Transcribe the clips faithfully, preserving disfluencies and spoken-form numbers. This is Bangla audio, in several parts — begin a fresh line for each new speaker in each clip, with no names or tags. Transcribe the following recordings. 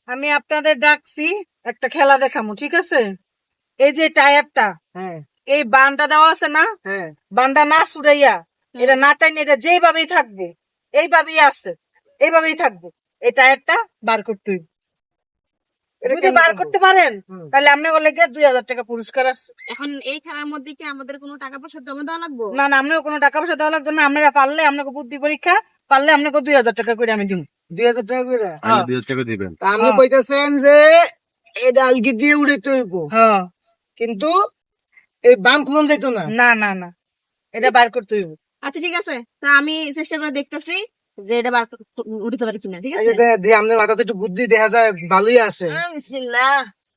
আমি আপনাদের ডাকছি একটা খেলা দেখামু, ঠিক আছে? এই যে টায়ারটা,
হ্যাঁ
এই বানটা দেওয়া আছে না,
হ্যাঁ
বানটা না ছুড়াইয়া এটা না টাইনে এটা যেইভাবেই থাকবে, এইভাবেই আছে, এইভাবেই থাকবে। এই টায়ারটা বার করতে হইবে।
এটা
যদি
কেমনে
বার
সম্ভব?
করতে পারেন
হুম।
তাহলে আপনার বলে গিয়ে দুই হাজার টাকা পুরস্কার আছে।
এখন এই খেলার মধ্যে কি আমাদের কোনো টাকা পয়সা জমা দেওয়া লাগবে?
না না, আপনাকে কোনো টাকা পয়সা দেওয়া লাগবে না। আপনারা পারলে আপনাকে বুদ্ধি পরীক্ষা, পারলে আপনাকে দুই হাজার টাকা করে আমি দিব।
দুই হাজার টাকা করে
হ্যাঁ।
দুই হাজার টাকা দিবেন।
তা আপনি
হ্যাঁ।
কইতেছেন যে এই ডালকি দিয়ে উড়াইতে হইব,
হ্যাঁ,
কিন্তু এই বাম খুলন যাইতো না।
না না না, এটা বার করতে হইব।
আচ্ছা ঠিক আছে, তা আমি চেষ্টা করে দেখতেছি যে এটা বার করতে- উঠতে পারি কিনা, ঠিক
এই
আছে?
যে দে- দে- আপনার মাথাতে একটু বুদ্ধি দেখা যায়, ভালোই আছে।
আহ, বিসমিল্লাহ।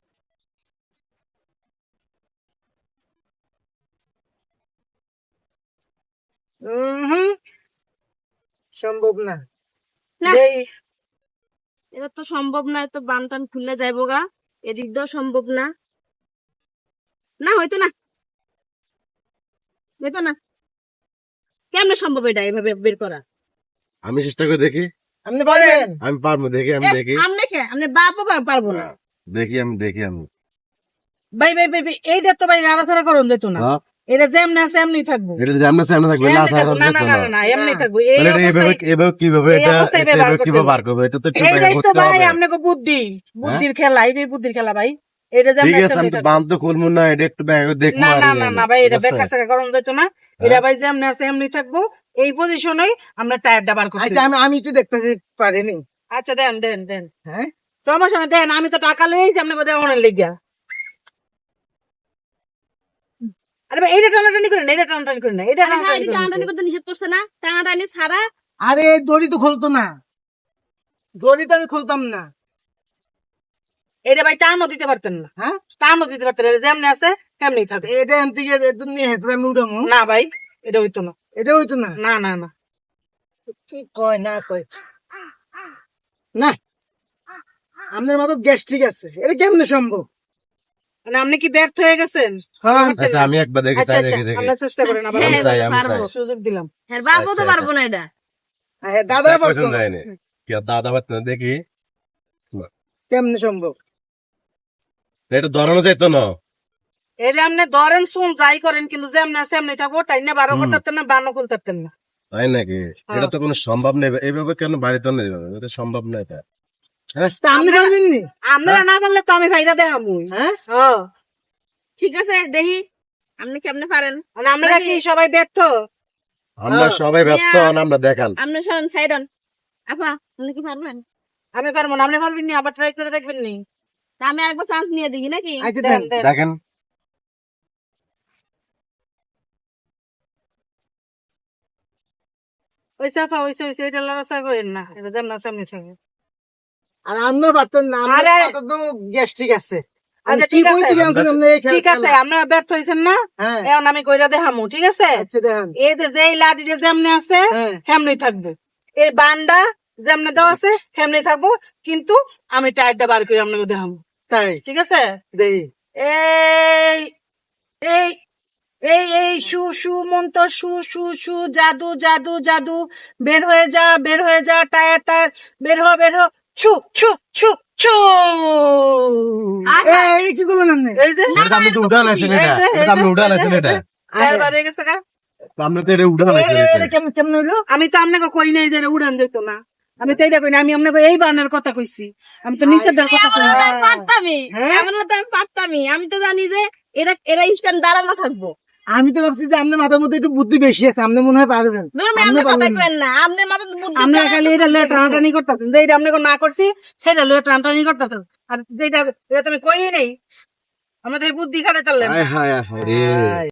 উম সম্ভব না।
না।
এই
এটা তো সম্ভব না, তো বান টান খুলে যাইবো গা, এদিক দিয়েও সম্ভব না। না হয়তো না, হয়তো না। কেমনে সম্ভব এটা এভাবে বের করা?
আমি চেষ্টা করে দেখি।
আপনি পারবেন?
আমি পারবো, দেখি আমি দেখি।
আমনে কে আমনে বাপও পার- পারবো না।
দেখি আমি দেখি আমি
ভাই ভাই ভাই ভাই, এইটা তো ভাই নাড়াচাড়া করুন যেত না।
হ্যাঁ,
এটা যেমনি আছে এমনি থাকবো।
এটা যদি আমরা সামনে থাকবে না
এমনি
সারা
থাকবো। না না না না, না, এমনি থাকবো। এই
তাহলে এটা এভাবে
অবস্থায়
এভাবে কিভাবে
এই
এটা
অবস্থায়
এটা
ব্যবহার
এভাবে
করতে
কিভাবে
হবে।
বার করবে? এটা তো একটু
এইটাই
ব্যাখ্যা
তো
করতে
ভাই
হবে।
আপনাকে বুদ্ধি, বুদ্ধির খেলা, এটাই বুদ্ধির খেলা ভাই। এটা
ঠিক
যেমনি আছে
আছে, আমি
এমনি
তো
থাকবো।
বান তো খুলবো না, এটা একটু ব্যাখ্যা করে দেখবো
না
আর
না
কি
না
আমি।
না ভাই, এটা
ঠিক আছে?
বেকার সেকা করানো যেত না। এটা ভাই যেমনি আছে এমনি থাকবো। এই পজিশনেই আমরা টায়ারটা বার করতে
আচ্ছা
হবে।
আমি আমি একটু দেখতেছি, পারিনি।
আচ্ছা দেন দেন দেন,
হ্যাঁ
সমস্যা নেই, দেন। আমি তো টাকা লইছি আপনাকে দেওয়ানোর লেগিয়া। আরে ভাই এইটা টানাটানি করেন, এইটা টানাটানি করেন না, এটা
আরে হ্যাঁ, এটা
টানাটানি
টানাটানি
করেন।
করতে নিষেধ করছে না? টানাটানি ছাড়া।
আরে দড়ি তো খুলতো না, দড়ি তো আমি খুলতাম না।
এটা ভাই টানও দিতে পারতেন না,
হ্যাঁ
টানও দিতে পারতেন না। এটা যেমনি আছে তেমনি থাকে।
এটা এন থেকে এত নিয়ে হেঁটে আমি উঠামু,
না ভাই, এটা হইতো না।
এটা হইতো না।
না না না,
কি কয় না কয় না, আপনার মাথার গ্যাস ঠিক আছে, এটা কেমনে সম্ভব?
মানে আপনি কি ব্যর্থ হয়ে গেছেন?
হ্যাঁ
আচ্ছা আমি একবার দেখি,
আচ্ছা
চাই
আচ্ছা,
দেখি দেখি।
আমরা চেষ্টা করেন আবার।
হ্যাঁ,
আমি চাই, আমি
পারবো।
চাই।
সুযোগ দিলাম।
হ্যাঁ, বাপও তো
আচ্ছা,
পারবো না এটা।
হ্যাঁ, দাদা
দেখ
পারতো
পছন্দ
না।
হয়নি। কি আর দাদা পারতো না, দেখি।
কেমনে সম্ভব?
এটা ধরানো যাইতো না।
এটা আপনি ধরেন শুন যাই করেন, কিন্তু যেমনি আছে এমনি থাকবো। টাইম না বারো
হুম।
করতে পারতেন না, বারো করতে পারতেন না।
তাই নাকি? এটা তো কোনো সম্ভব নেই। এইভাবে কেন বাড়িতে নেই? এটা সম্ভব না এটা। হ্যাঁ?
তা আপনি পারবেন নি?
আমরা না পারলে তো আমি ভাইরা দেখাবো।
হ্যাঁ
হ্যাঁ,
ঠিক আছে, দেখি আপনি কেমনে পারেন।
মানে আমরা কি সবাই ব্যর্থ?
আমরা
হ্যাঁ।
সবাই ব্যস্ত,
মিয়া।
হন, আমরা দেখান।
আপনি সরেন সাইড হন। আপা, আপনি কি পারবেন?
আমি পারবো না, আপনি পারবেন নি? আবার ট্রাই করে দেখবেন নি?
তা আমি একবার চান্স নিয়ে দেখি নাকি?
আচ্ছা
দেন
দেন।
দেন।
দেখেন।
ওই সাফা ওইসে ওইসে এটা লড়াচড়া করেন না, এটা যেমন আছে এমনি থাকে।
আর আপনিও পারতেন না, আমার
আরে।
মাথার তো গ্যাস ঠিক আছে। আমি
আচ্ছা,
কি
ঠিক
কইতে
আছে।
গেছেন আপনি এই
ঠিক আছে,
খেলা?
আমরা ব্যর্থ হয়েছেন না,
হ্যাঁ
এখন আমি কইরা দেখামু, ঠিক আছে?
আচ্ছা দেখেন।
এই যে যেই লাঠিটা যেমনি আছে
হ্যাঁ
হেমনি থাকবো, এই বান্ডা যেমনি দেওয়া আছে হেমনি থাকবো, কিন্তু আমি টায়ারটা বার করে আপনাকে দেখাবো,
তাই
ঠিক আছে?
দেই।
এই এই এই এই সু সু মন্ত্র, সু সু সু, জাদু জাদু জাদু, বের হয়ে যা বের হয়ে যা, টায়ার টায়ার, বের হ বের হ, ছু ছু ছু ছু।
আহা,
এই কি করলেন আপনি?
এই যে
এটা তো আপনি তো উড়ান আছেন এটা।
এই যে,
এটা তো আপনি উড়ান আছেন এটা।
টায়ার বার হয়ে গেছে গা।
তো আপনি তো এটা উড়ান
এই-
আছেন
এই-
এটা।
এটা কেমন কেমন হইলো?
আমি তো আপনাকে কই নাই যে এটা উড়ান যেত না, আমি তো এইটা কই না, আমি আপনাকে এই বানার কথা কইছি, আমি তো নিচের ডাল কথা কই
এমন
না।
হলে তো আমি পারতামই।
হ্যাঁ?
এমন হলে তো আমি পারতামই। আমি তো জানি যে এরা এরা ইনস্ট্যান্ট দাঁড়ানো থাকবো।
আমি তো ভাবছি যে আপনার মাথার মধ্যে একটু বুদ্ধি বেশি আছে, আপনি মনে হয় পারবেন।
ধরুন
আপনি
আপনি কথা
পারলেন না।
কেন না, আপনার মাথায় তো বুদ্ধি
আমরা
চলে
খালি
এত
এটা লয়ে
বুদ্ধি গেছে।
টানাটানি করতেছেন, যে এটা আপনাকে না করছি সেটা লয়ে টানাটানি করতেছেন, আর যেটা এটা তুমি কই নেই, আমরা তো এই বুদ্ধি খাটে চললেন।
হায় হায় হায় রে।